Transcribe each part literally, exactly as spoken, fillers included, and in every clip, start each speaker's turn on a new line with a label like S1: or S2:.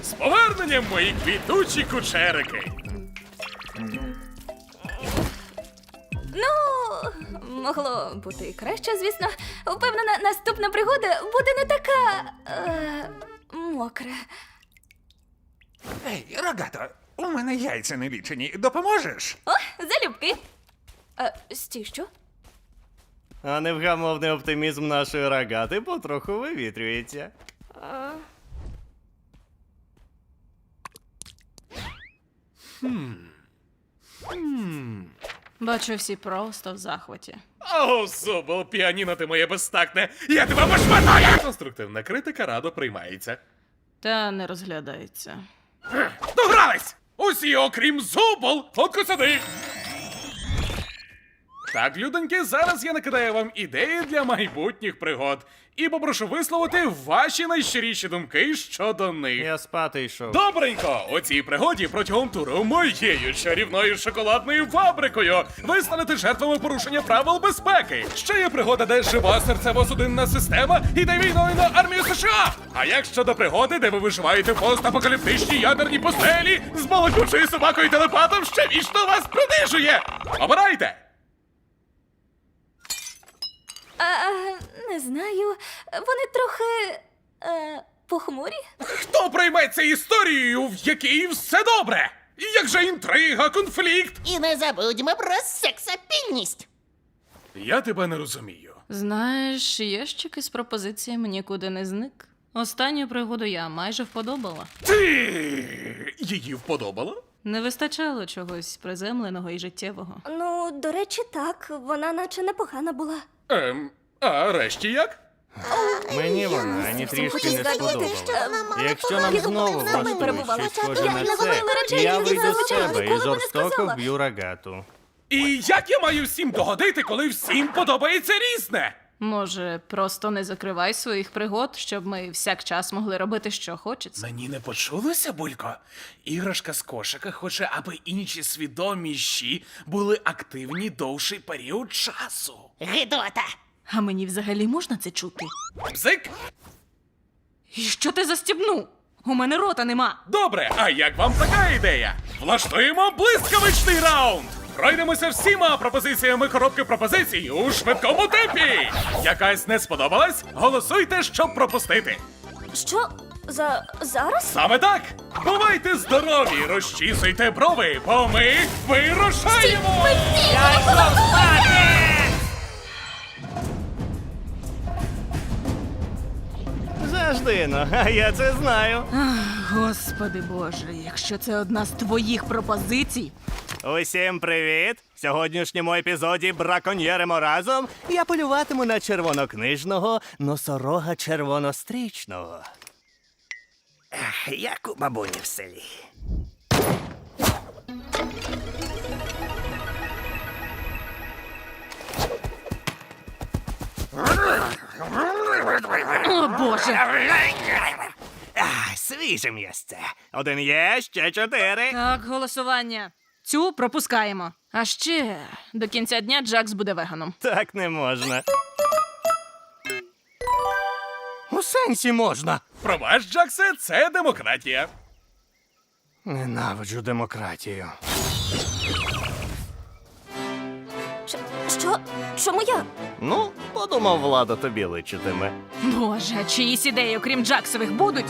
S1: З поверненням, мої квітучі кучерики!
S2: Ну, могло бути і краще, звісно. Впевнена, наступна пригода буде не така. Е, мокра.
S3: Ей, Рогато, у мене яйця не лічені. Допоможеш?
S2: О, залюбки. Е, стій, що?
S4: А невгамовний оптимізм нашої рогати потроху вивітрюється.
S2: Е,
S5: Бачу, всі просто в захваті.
S1: О, Зубл, піаніно ти моє безтактне! Я тебе пошматаю! Конструктивна критика радо приймається.
S5: Та не розглядається.
S1: Догрались! Усі, окрім Зубл, фотку сюди! Так, людоньки, зараз я накидаю вам ідеї для майбутніх пригод. І попрошу висловити ваші найщиріші думки щодо них.
S4: Я спати йшов.
S1: Добренько! У цій пригоді протягом туру моєю чарівною шоколадною фабрикою ви станете жертвами порушення правил безпеки. Ще є пригода, де жива серцево-судинна система іде війною на армію США. А як щодо пригоди, де ви виживаєте в постапокаліптичній ядерній пустелі з балакучою собакою телепатом, що вічно вас принижує? Обирайте!
S2: а, не знаю. Вони трохи. Е, похмурі?
S1: Хто прийметься історією, в якій все добре? Як же інтрига, конфлікт?
S6: І не забудьмо про сексапільність.
S1: Я тебе не розумію.
S5: Знаєш, ящик із пропозиціями нікуди не зник. Останню пригоду я майже вподобала.
S1: Ти її вподобала?
S5: Не вистачало чогось приземленого і життєвого.
S2: Ну, до речі, так. Вона наче непогана була.
S1: Ем, а решті як?
S4: Мені вона ні трішки не сподобалась. Якщо нам знову влаштують
S2: перебувала.
S4: щось схоже
S2: Я
S4: на
S2: не
S4: це,
S2: говорила речей,
S4: я
S2: які
S4: вийду з
S2: зазвичай
S4: себе і
S2: ніколи б не
S4: жорстоко
S2: сказала.
S4: вб'ю рогату.
S1: І як я маю всім догодити, коли всім подобається різне?
S5: Може, просто не закривай своїх пригод, щоб ми всякчас могли робити, що хочеться.
S1: Мені не почулося, Булько? Іграшка з кошика хоче, аби інші свідоміші були активні довший період часу.
S6: Гидота.
S5: А мені взагалі можна це чути?
S1: Бзик?
S5: І що ти застібнув? У мене рота нема.
S1: Добре, а як вам така ідея? Влаштуємо блискавичний раунд! Пройдемося всіма пропозиціями коробки пропозицій у швидкому темпі! Якась не сподобалась? Голосуйте, щоб пропустити!
S2: Що? За зараз?
S1: Саме так! Бувайте здорові, розчісуйте брови, бо ми вирушаємо!
S4: Завжди, ну, а я це знаю.
S5: Господи Боже, якщо це одна з твоїх пропозицій.
S4: Усім привіт! В сьогоднішньому епізоді браконьєримо разом. Я полюватиму на червонокнижного носорога червонострічного. Ех, як у бабуні в селі.
S5: О, Боже!
S4: А, свіже м'ясце. Один є, ще чотири.
S5: Так, голосування. Цю пропускаємо. А ще до кінця дня Джакс буде веганом.
S4: Так не можна. У сенсі можна.
S1: Пробач, Джаксе, це демократія.
S4: Ненавиджу демократію.
S2: Що? що? Чому я?
S4: Ну, подумав, влада тобі личитиме.
S5: Боже, а чиїсь ідеї, окрім Джаксових, будуть?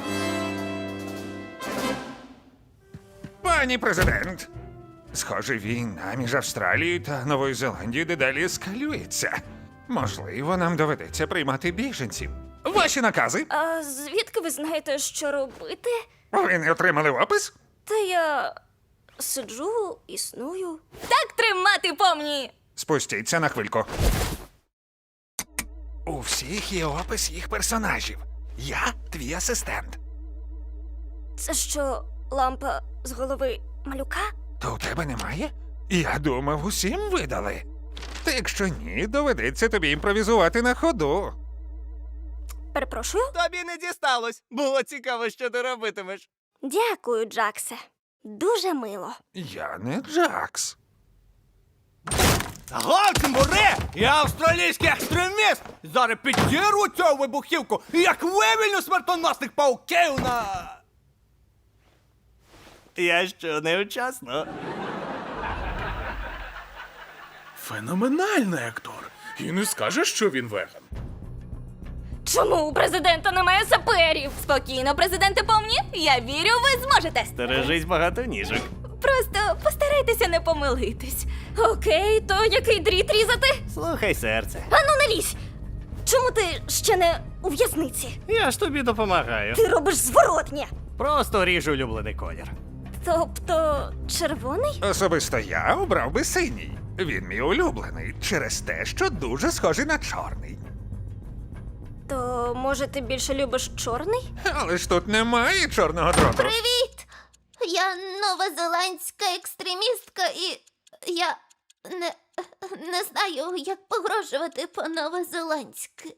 S3: Пані президент, схоже, війна між Австралією та Новою Зеландією дедалі ескалюється. Можливо, нам доведеться приймати біженців. Ваші накази?
S2: А звідки ви знаєте, що робити?
S3: Ви не отримали опис?
S2: Та я сиджу, існую. Так тримати помні!
S3: Спустіться на хвильку. У всіх є опис їх персонажів. Я твій асистент.
S2: Це що, лампа з голови малюка?
S3: То у тебе немає? Я думав, усім видали. Та якщо ні, доведеться тобі імпровізувати на ходу.
S2: Перепрошую?
S4: Тобі не дісталось. Було цікаво, що ти робитимеш.
S2: Дякую, Джаксе. Дуже мило.
S3: Я не Джакс.
S7: Галтмуре! Я австралійський екстреміст! Зараз підірву цю вибухівку, як вивільню смертоносних пауків на...
S4: Я що, невчасно?
S1: Феноменальний актор. І не скажеш, що він веган.
S2: Чому у президента немає саперів? Спокійно, президенте помні. Я вірю, ви зможете.
S4: Стережись багато ніжок.
S2: Просто постарайтеся не помилитись. Окей, то який дріт різати?
S4: Слухай, серце.
S2: Ану, не лізь! Чому ти ще не у в'язниці?
S4: Я ж тобі допомагаю.
S2: Ти робиш зворотнє.
S4: Просто ріжу улюблений колір.
S2: Тобто червоний?
S3: Особисто я обрав би синій. Він мій улюблений через те, що дуже схожий на чорний.
S2: То може ти більше любиш чорний?
S3: Але ж тут немає чорного дроту.
S6: Привіт! Я новозеландська екстремістка і я не, не знаю, як погрожувати по-новозеландськи.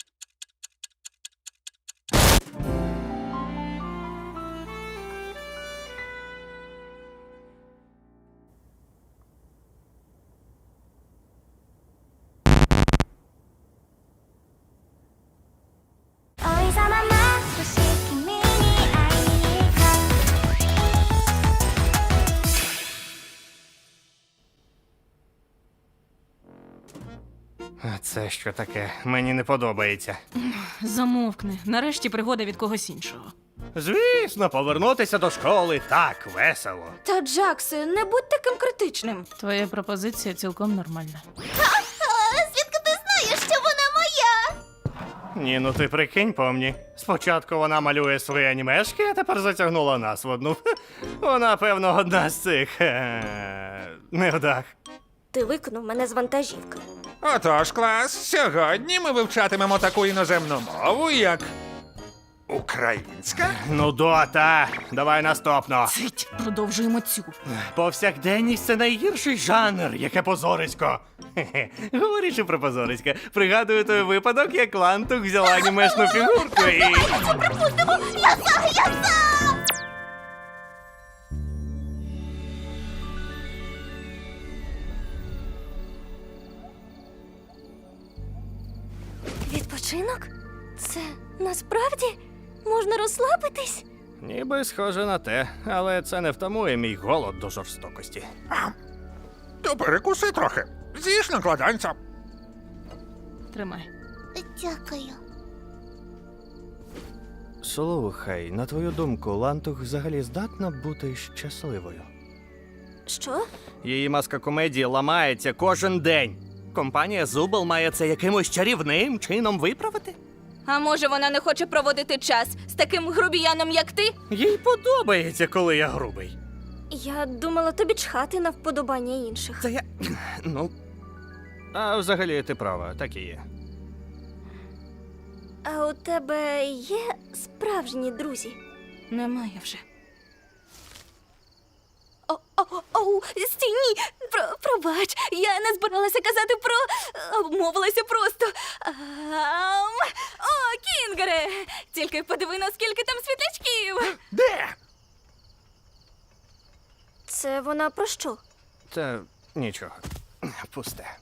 S4: А це що таке? Мені не подобається.
S5: Замовкни. Нарешті пригода від когось іншого.
S4: Звісно, повернутися до школи так весело.
S2: Та Джаксе, не будь таким критичним.
S5: Твоя пропозиція цілком нормальна.
S6: А звідки ти знаєш, що вона моя?
S4: Ні, ну ти прикинь, помні. Спочатку вона малює свої анімешки, а тепер затягнула нас в одну. Вона, певно, одна з цих е, невдах.
S2: Ти викинув мене з вантажівки.
S3: Отож, клас, сьогодні ми вивчатимемо таку іноземну мову, як українська.
S4: Ну, дота, давай наступно.
S5: Цить, продовжуємо цю.
S4: Повсякденність – це найгірший жанр, яке позорисько. Хе-хе. Говорячи про позорисько, пригадую той випадок, як Лантух взяла анімешну фігурку і...
S6: Я за, я за!
S2: Відпочинок? Це насправді можна розслабитись?
S4: Ніби схоже на те, але це не втамує мій голод до жорстокості.
S3: То перекуси трохи. З'їж накладанця.
S5: Тримай.
S6: Дякую.
S4: Слухай, на твою думку, Лантух взагалі здатна бути щасливою?
S2: Що?
S4: Її маска комедії ламається кожен день. Компанія Зубл має це якимось чарівним чином виправити?
S2: А може вона не хоче проводити час з таким грубіяном, як ти?
S4: Їй подобається, коли я грубий.
S2: Я думала тобі чхати на вподобання інших.
S4: Це я. Ну. А взагалі ти права, так і є.
S2: А у тебе є справжні друзі?
S5: Немає вже.
S2: О, о, о, стій, ні! Про, пробач, я не збиралася казати про... обмовилася просто. Ам... О, Кінгере! Тільки подиви, наскільки там світлячків!
S3: Де?
S2: Це вона про що?
S4: Та нічого. Пусте.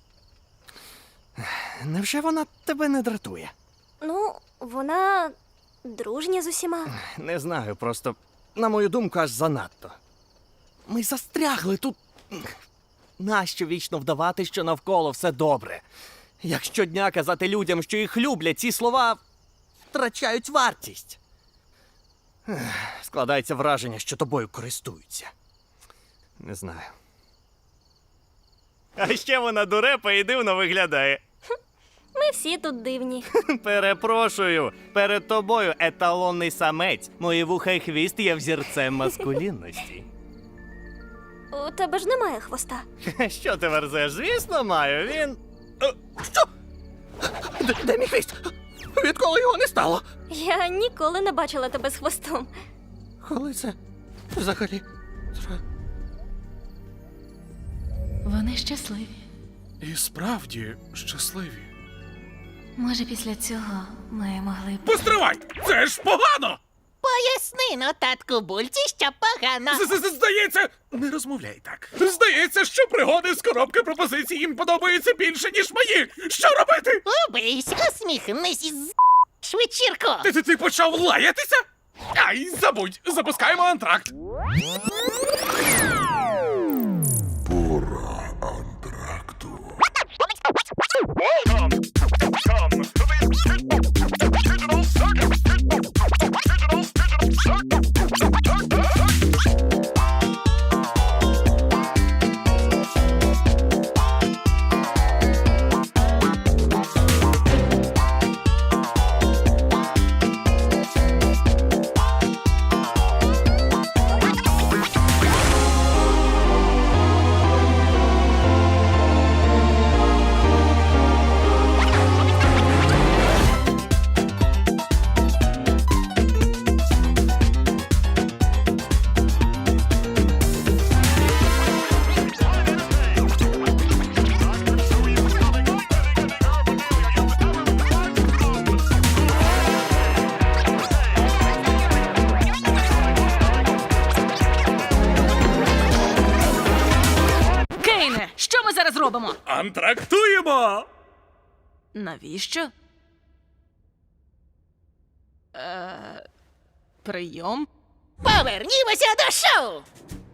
S4: Невже вона тебе не дратує?
S2: Ну, вона дружня з усіма.
S4: Не знаю, просто, на мою думку, аж занадто. Ми застрягли тут. Нащо вічно вдавати, що навколо все добре? Як щодня казати людям, що їх люблять, ці слова втрачають вартість. Ех, Складається враження, що тобою користуються. Не знаю. А ще вона дурепа і дивно виглядає.
S2: Ми всі тут дивні.
S4: Перепрошую, перед тобою еталонний самець. Мої вуха і хвіст є взірцем маскулінності.
S2: У тебе ж немає хвоста.
S4: Що ти верзеш? Звісно, маю. Він. Е, Що? Де, де мій хвіст? Відколи його не стало?
S2: Я ніколи не бачила тебе з хвостом.
S4: Коли це взагалі?
S5: Вони щасливі.
S1: І справді щасливі.
S5: Може, після цього ми могли б.
S1: Постривай! Це ж погано!
S6: Поясни, ну, татку Бульці, що погано.
S1: З-з-з- Здається, не розмовляй так. Здається, що пригоди з коробки пропозицій їм подобаються більше, ніж мої. Що робити?
S6: Убийся, усміхнись і з вечірку.
S1: Ти, ти, ти почав лаятися? Ай, забудь! Запускаємо антракт!
S5: Кейне, що ми зараз робимо?
S1: Антрактуємо!
S5: Навіщо? Е, прийом?
S6: Повернімося до шоу!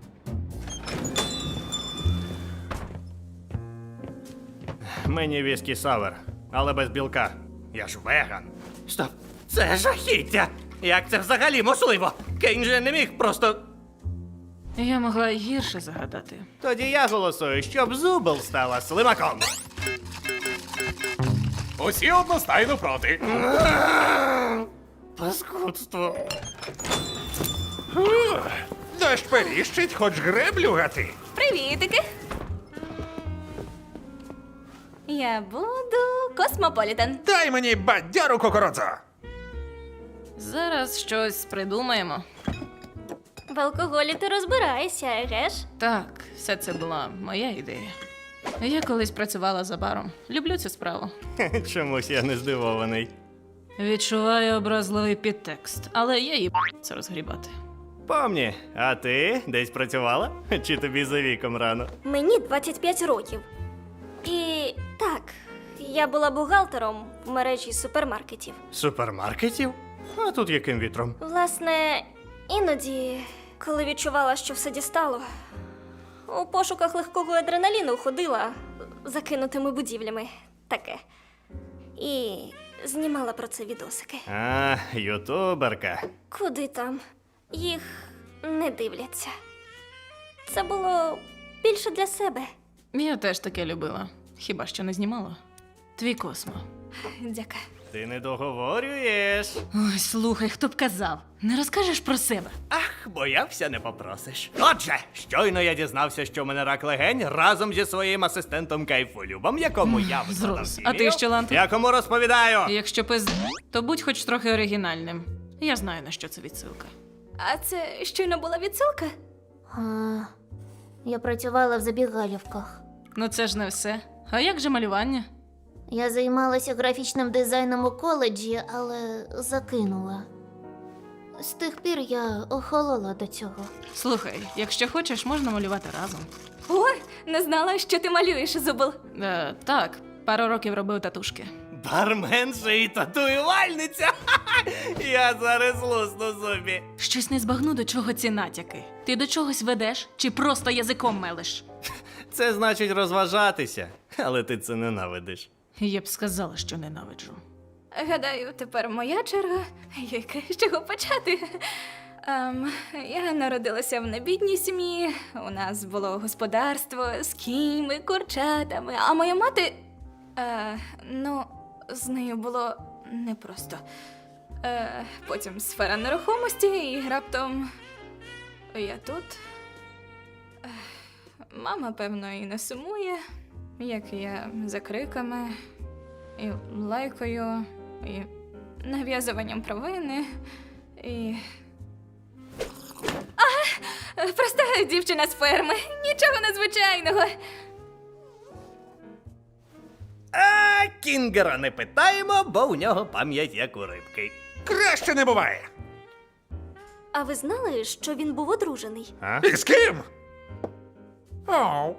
S4: Мені віскі савер, але без білка. Я ж веган. Стоп, це жахіття! Як це взагалі можливо? Кейн же не міг просто.
S5: Я могла й гірше загадати.
S4: Тоді я голосую, щоб Зубл стала слимаком.
S1: Усі одностайно проти.
S4: Паскудство.
S3: Дощ періщить, хоч греблю гати.
S2: Привітики! Я буду Космополітен.
S3: Дай мені бадяру кокородзо.
S5: Зараз щось придумаємо.
S6: В алкоголі ти розбираєшся, еге ж?
S5: Так, все це була моя ідея. Я колись працювала за баром. Люблю цю справу.
S4: Чомусь я не здивований.
S5: Відчуваю образливий підтекст, але я її це розгрібати.
S4: Помні, а ти десь працювала? Чи тобі за віком рано?
S6: Мені двадцять п'ять років. І так, я була бухгалтером в мережі супермаркетів.
S4: Супермаркетів? А тут яким вітром?
S6: Власне, іноді, коли відчувала, що все дістало, у пошуках легкого адреналіну ходила закинутими будівлями. Таке. І знімала про це відосики.
S4: А, ютуберка.
S6: Куди там? Їх не дивляться. Це було більше для себе.
S5: Я теж таке любила. Хіба що не знімала? Твій Космо.
S2: Дяка.
S4: Ти не договорюєш.
S5: Ой, слухай, хто б казав? Не розкажеш про себе?
S4: Ах, боявся, не попросиш. Отже, щойно я дізнався, що в мене рак легень разом зі своїм асистентом Кайфолюбом, якому я викладав
S5: Зрос.
S4: хімію.
S5: А ти що, Ланте?
S4: Якому розповідаю?
S5: Якщо пиз... то будь хоч трохи оригінальним. Я знаю, на що це відсилка.
S2: А це щойно була відсилка?
S6: А, я працювала в забігалівках.
S5: Ну це ж не все. А як же малювання?
S6: Я займалася графічним дизайном у коледжі, але закинула. З тих пір я охолола до цього.
S5: Слухай, якщо хочеш, можна малювати разом.
S2: Ой, не знала, що ти малюєш, Зубл.
S5: Е, так, пару років робив татушки.
S4: Барменша і татуювальниця. Ха-ха! Я зараз лусну зубі.
S5: Щось не збагну, до чого ці натяки. Ти до чогось ведеш чи просто язиком мелиш?
S4: Це значить розважатися, але ти це ненавидиш.
S5: Я б сказала, що ненавиджу.
S2: Гадаю, тепер моя черга. Яке з чого почати? Ем, я народилася в небідній сім'ї. У нас було господарство з кіньми, курчатами. А моя мати. Е, ну, з нею було непросто. Е, потім сфера нерухомості, і раптом я тут. Е, мама, певно, і не сумує, як я за криками, і лайкою, і нав'язуванням провини, і. А, проста дівчина з ферми. Нічого надзвичайного.
S4: А Кінгера не питаємо, бо у нього пам'ять як у рибки.
S3: Краще не буває.
S6: А ви знали, що він був одружений?
S4: А?
S3: І з ким? Оу.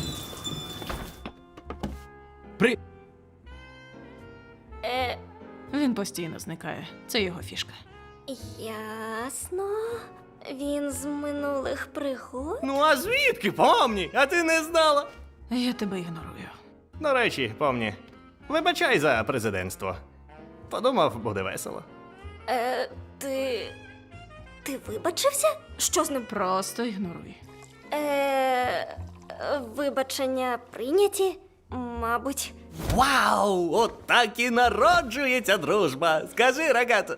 S7: При...
S6: Е,
S5: Він постійно зникає. Це його фішка.
S6: Ясно. Він з минулих пригод?
S4: Ну а звідки, помні? А ти не знала?
S5: Я тебе ігнорую.
S4: До речі, помні, вибачай за президентство. Подумав, буде весело.
S6: Е, ти. Ти вибачився? Що з ним?
S5: Просто ігноруй.
S6: Е, вибачення прийняті? Мабуть.
S4: Вау! От так і народжується дружба. Скажи, рогато.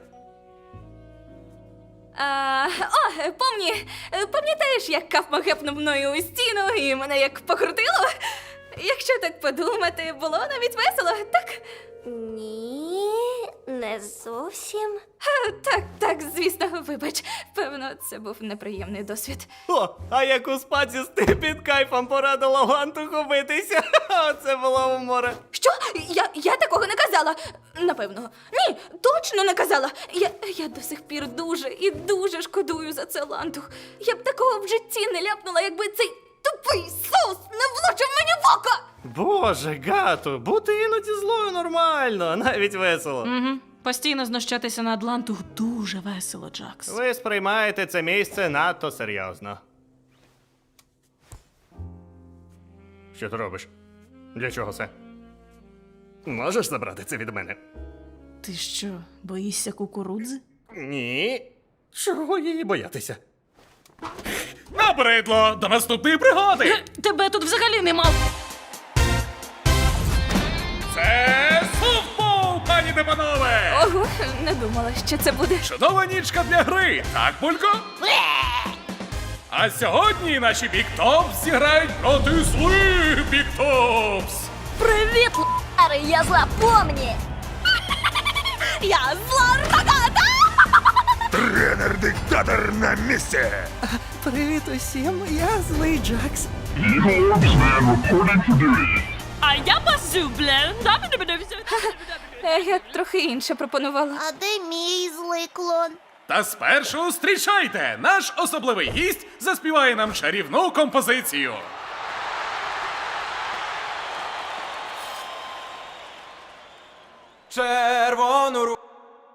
S2: А, о, помні, пам'ятаєш, як кафма гепнув мною у стіну і мене як покрутило? Якщо так подумати, було навіть весело, так?
S6: Ні, не зовсім.
S2: Ха, Так, так, звісно, вибач. Певно, це був неприємний досвід.
S4: О, а як у спацісти під кайфом порадила гантуху битися. Оце було у море.
S2: Що? Я, я такого не казала. Напевно. Ні, точно не казала. Я, я до сих пір дуже і дуже шкодую за це лантух. Я б такого в житті не ляпнула, якби цей тупий соус не влучив мені в око.
S4: Боже, гато, бути іноді злою нормально, навіть весело.
S5: Угу. Постійно знущатися над Лантух дуже весело, Джакс.
S4: Ви сприймаєте це місце надто серйозно. Що ти робиш? Для чого це? Можеш забрати це від мене?
S5: Ти що, боїшся кукурудзи?
S4: Ні. Чого її боятися?
S1: Набридло! До наступної пригоди!
S5: Тебе тут взагалі нема.
S1: Це софтбол, пані та панове!
S2: Ого, не думала, що це буде.
S1: Чудова нічка для гри, так, Булько? А сьогодні наші Біктопс зіграють проти злих Біктопс!
S6: Привіт, Лари, я зла помні!
S2: Я зла рогата!
S3: Тренер-диктатор на місці!
S4: Привіт усім, я злий Джакс.
S5: А я базубле.
S2: Е, Я трохи інше пропонувала.
S8: А де мій злий клон?
S1: Та спершу зустрічайте! Наш особливий гість заспіває нам чарівну композицію.
S7: Червону ру...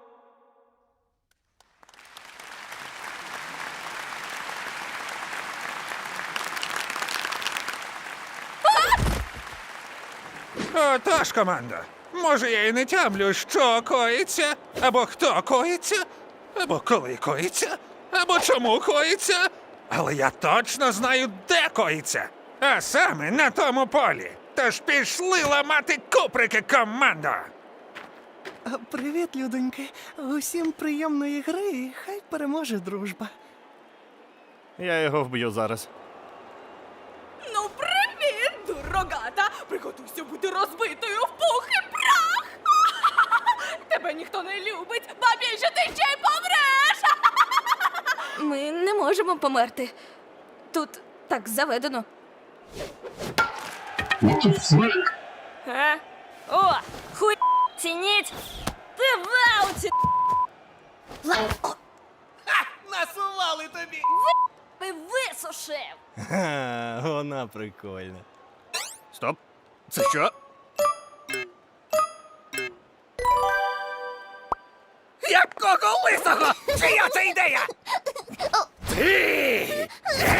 S3: Отож, команда. Може, я і не тямлю, що коїться, або хто коїться, або коли коїться, або чому коїться. Але я точно знаю, де коїться. А саме на тому полі. Тож пішли ламати куприки, команда!
S4: Привіт, людоньки. Усім приємної гри, і хай переможе дружба. Я його вб'ю зараз.
S2: Ну, привіт, дурогата! Приготуйся бути розбитою в пух і прах! Тебе ніхто не любить, ба більше ти ще й помреш! Ми не можемо померти. Тут так заведено.
S6: А? О, хуй цініть! Ти в ауті!
S4: Насували тобі!
S6: Ти висушив!
S4: Ха, вона прикольна. Стоп. Це що? Якого лисого? Чия це ідея? Ти!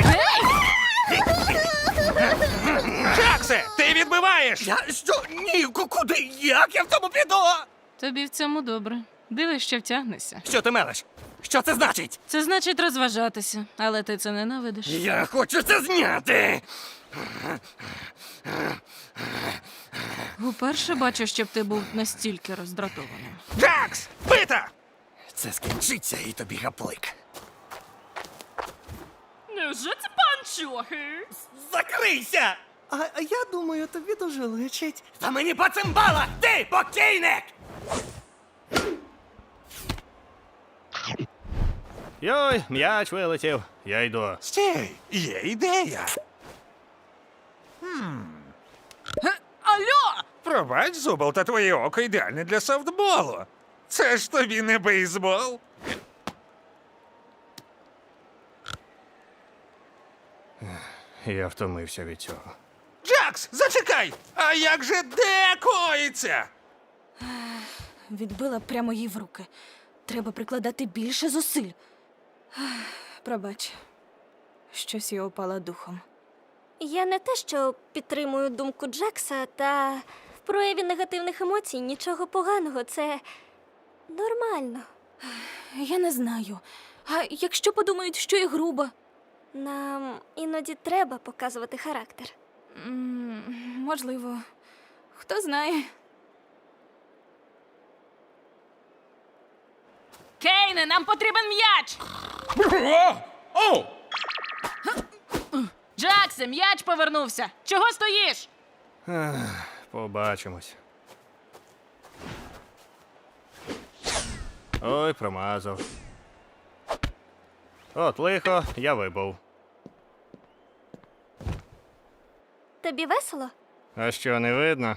S3: Джаксе, ти відбиваєш!
S4: Я що? Ні, ку- куди? Як я в тому піду?
S5: Тобі в цьому добре. Дивись, що втягнешся.
S4: Що ти мелеш? Що це значить?
S5: Це значить розважатися, але ти це ненавидиш.
S4: Я хочу це зняти!
S5: Уперше бачу, щоб ти був настільки роздратованим.
S3: Джакс! Бита!
S4: Це скінчиться і тобі гаплик.
S5: Невже це панчохи?
S4: Закрийся! А, а я думаю, тобі дуже личить. Та мені по цимбалах! Ти, покійник! Йой, м'яч вилетів. Я йду.
S3: Стій, є ідея.
S2: Алло!
S3: Пробач, Зубл, та твоє око ідеальне для софтболу. Це ж тобі не бейсбол.
S4: Я втомився від цього.
S3: Джакс, зачекай! А як же де коїться?
S2: відбила прямо їй в руки. Треба прикладати більше зусиль. Пробач, щось я опала духом.
S6: Я не те, що підтримую думку Джекса, та в прояві негативних емоцій нічого поганого, це нормально.
S2: Я не знаю. А якщо подумають, що я груба?
S6: Нам іноді треба показувати характер.
S2: М, Можливо. Хто знає.
S5: Кейне, нам потрібен м'яч!
S1: О! О!
S5: Джаксе, м'яч повернувся! Чого стоїш?
S4: Побачимось. Ой, промазав. От лихо, я вибув.
S6: Тобі весело?
S4: А що, не видно?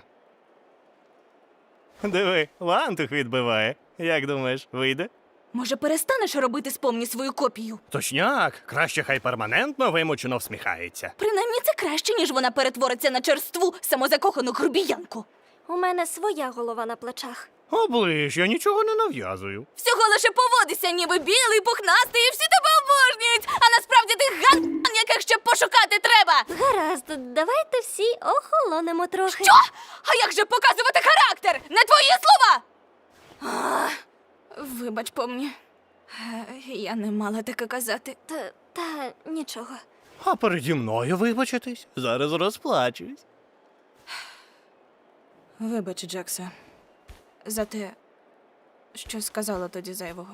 S4: Диви, лантух відбиває. Як думаєш, вийде?
S2: Може, перестанеш робити з помні свою копію?
S4: Точняк, краще хай перманентно вимучено всміхається.
S2: Принаймні це краще, ніж вона перетвориться на черству, самозакохану грубіянку.
S6: У мене своя голова на плечах.
S4: Оближ, я нічого не нав'язую.
S2: Всього лише поводися, ніби білий, пухнастий, і всі тебе обожнюють. А насправді ти ган, яких ще пошукати треба.
S6: Гаразд, давайте всі охолонемо трохи.
S2: Що? А як же показувати характер? Не твої слова! А, вибач, помні. Е, Я не мала таке казати.
S6: Та, та нічого.
S4: А переді мною вибачитись? Зараз розплачусь.
S2: Вибач, Джекса, за те, що сказала тоді зайвого.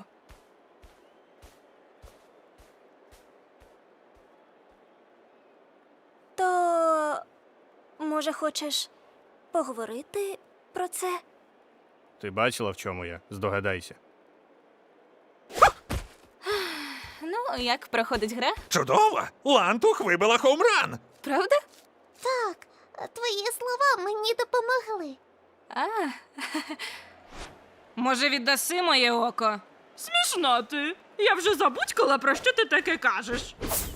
S6: То, може, хочеш поговорити про це?
S4: Ти бачила, в чому я? Здогадайся.
S2: Ну, як проходить гра?
S3: Чудово! Лантух вибила хоумран!
S2: Правда?
S8: Так, твої слова мені допомогли.
S2: А,
S5: Може, віддаси моє око? Смішно ти. Я вже забудькала, про що ти таке кажеш.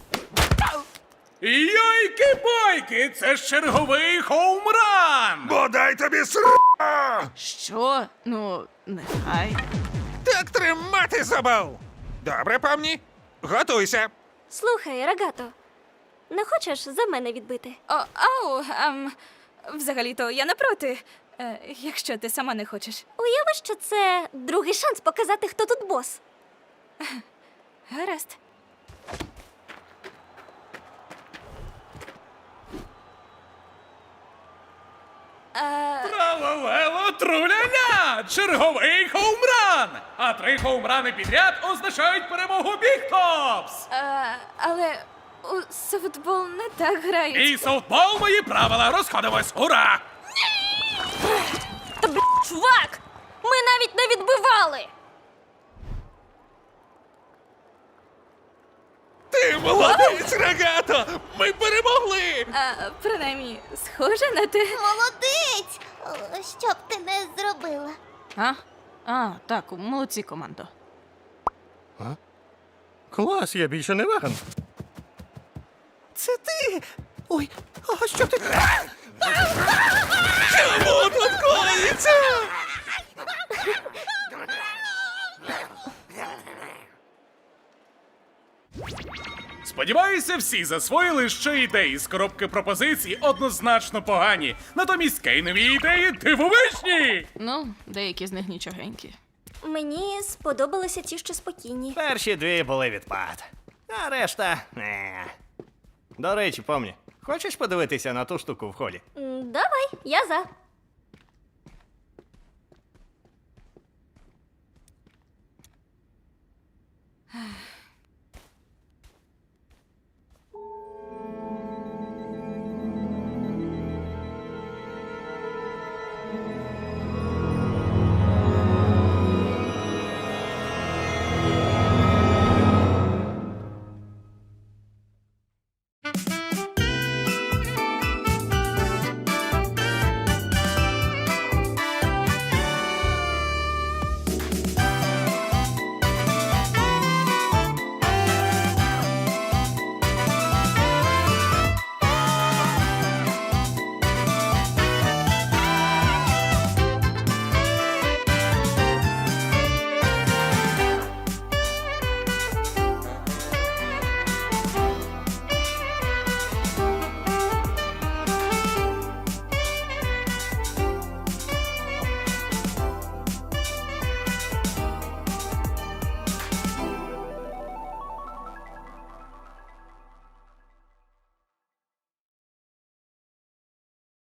S1: Йойки-бойки! Це ж черговий хоумран!
S3: Бодай тобі ср...
S5: Що? Ну, нехай.
S3: Так тримати забав! Добре, помні? Готуйся!
S6: Слухай, Рогато, не хочеш за мене відбити?
S2: о, ау, ем, взагалі-то я не проти, е, якщо ти сама не хочеш.
S6: Уяви, що це другий шанс показати, хто тут бос.
S2: Гаразд. Е,
S1: Тралалело труляля! Черговий хоумран! А три хоумрани підряд означають перемогу Бігтопс!
S2: е, але у софтбол не так грають.
S1: І софтбол мої правила! Розходимось! Ура!
S6: Та, бл**, чувак! Ми навіть не відбивали!
S3: Ти молодець, Рогато! Ми перемогли!
S2: Е, принаймні, схоже на те.
S8: Молодець! О, що б ти не зробила?
S5: А? А, так, молодці, командо.
S4: Клас, я більше не веган. Це ти! Ой, а що ти?
S3: Чому тут коїться?
S1: Сподіваюся, всі засвоїли, що ідеї з коробки пропозицій однозначно погані. Натомість кейнові ідеї дивовижні!
S5: Ну, деякі з них нічогенькі.
S6: Мені сподобалися ті, що спокійні.
S4: Перші дві були відпад. А решта. Не. До речі, помні, хочеш подивитися на ту штуку в холі?
S6: М, Давай, я за.
S2: Ех,